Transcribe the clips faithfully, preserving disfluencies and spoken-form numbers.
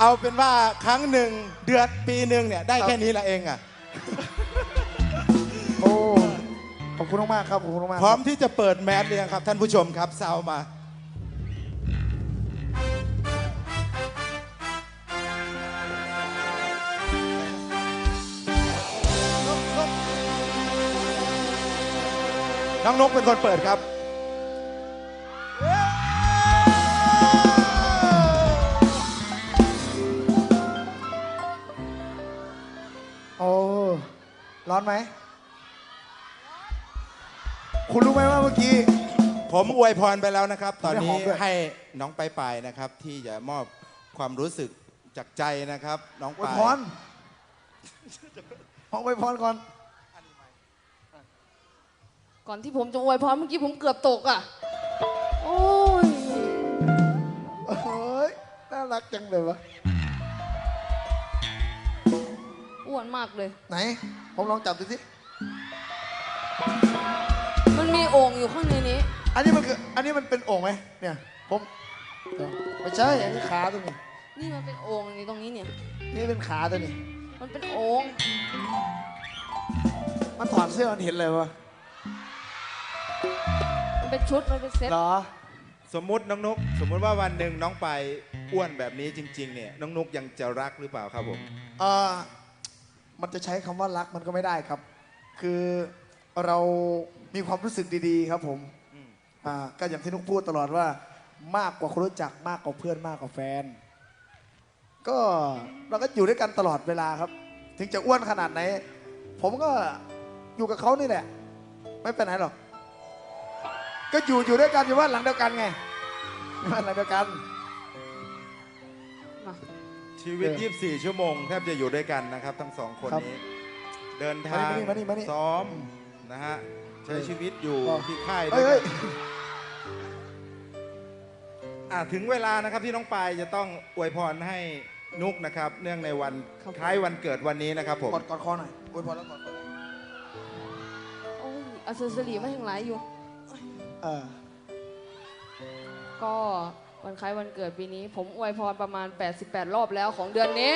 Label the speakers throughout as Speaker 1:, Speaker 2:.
Speaker 1: เอาเป็นว่าครั้งหนึ่งเดือนปีหนึ่งเนี่ยได้แค่นี้ละเองอ่ะ
Speaker 2: โอ้ขอบคุณมากครับขอบคุณมาก
Speaker 1: พร้อมที่จะเปิดแมสหรือยังครับท่านผู้ชมครับซาวมาน้องนกเป็นคนเปิดครับ
Speaker 2: โอ้ร้อนไหมคุณรู้ไหมว่าเมื่อกี้
Speaker 1: ผมอวยพรไปแล้วนะครับ ตอนนี้
Speaker 2: ไม่ได้หอมด้วย
Speaker 1: ให้น้องไปไปนะครับ ที่จะมอบความรู้สึกจากใจนะครับ น้อง
Speaker 2: อวย
Speaker 1: ปาย
Speaker 2: พรขออวยพรก่อน
Speaker 3: ก่อนที่ผมจะอวยพรเมื่อกี้ผมเกือบตกอ่ะโอ้ย
Speaker 2: เฮ้ยน่ารักจังเลยวะ
Speaker 3: อ้วนมากเลย
Speaker 2: ไหนผมลองจับดูสิ
Speaker 3: มันมีโอ่งอยู่ข้างในนี้
Speaker 2: อันนี้มันคืออันนี้มันเป็นโอ่งไหมเนี่ยผมไม่ใช่อันนี้ขาตัวนี้
Speaker 3: นี่มันเป็นโอ่งนี่ตรงนี้เนี่ย
Speaker 2: นี่เป็นขาตัวนี้
Speaker 3: มันเป็นโอ่ง
Speaker 2: มันถอดเสื้อมันเห็นเลยวะ
Speaker 3: มันเป็นชุดมันเป็นเซ็ต
Speaker 2: เหรอ
Speaker 1: สมมุติน้องนกสมมุติว่าวันหนึ่งน้องไปอ้วนแบบนี้จริงๆเนี่ยน้องนกยังจะรักหรือเปล่าครับผม
Speaker 2: เออมันจะใช้คำว่ารักมันก็ไม่ได้ครับ คือเรามีความรู้สึกดีๆครับผมอ่าก็อย่างที่นุกพูดตลอดว่ามากกว่าคนรู้จักมากกว่าเพื่อนมากกว่าแฟน ก็เราก็อยู่ด้วยกันตลอดเวลาครับ ถึงจะอ้วนขนาดไหน ผมก็อยู่กับเขานี่แหละ ไม่ไปไหนหรอก ก็อยู่อยู่ด้วยกันอยู่บ้านหลังเดียวกันไงบ้านหลังเดียวกัน
Speaker 3: มา
Speaker 1: ชีวิต ยี่สิบสี่ ชั่วโมงแทบจะอยู่ด้วยกันนะครับทั้งสองคน
Speaker 2: ครับ
Speaker 1: นี้ เดินทาง
Speaker 2: มานี่มานี่มานี่
Speaker 1: ซ้อมนะฮะใช้ชีวิตอยู่
Speaker 2: อ๋อ
Speaker 1: ที่ค่ายด้
Speaker 2: เฮ้
Speaker 1: วย ย
Speaker 2: เฮ้
Speaker 1: กั
Speaker 2: ย
Speaker 1: นอ่ะถึงเวลานะครับที่น้องปายจะต้องอวยพรให้นุกนะครับ เนื่องในวันคล้ายวันเกิดวันนี้นะครับผม
Speaker 2: กอดกอดคอหน่อยอวยพรแล้วกอดคอ
Speaker 3: โอ้ยอัศสรีมาทั้งหลายอยู่
Speaker 2: เออ
Speaker 3: ก็วันคล้ายวันเกิดปีนี้ ผมอวยพรประมาณแปดสิบแปดรอบแล้วของเดือนนี้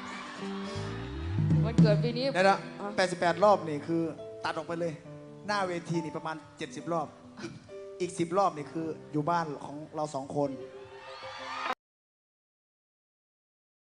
Speaker 3: วันเกิดปีนี้
Speaker 2: เดี๋ยวนะ
Speaker 3: อ่ะ
Speaker 2: แปดสิบแปดรอบนี่คือตัดออกไปเลย หน้าเวทีนี่ประมาณเจ็ดสิบรอบ อีกอีกสิบรอบนี่คืออยู่บ้านของเราสองคน
Speaker 3: อ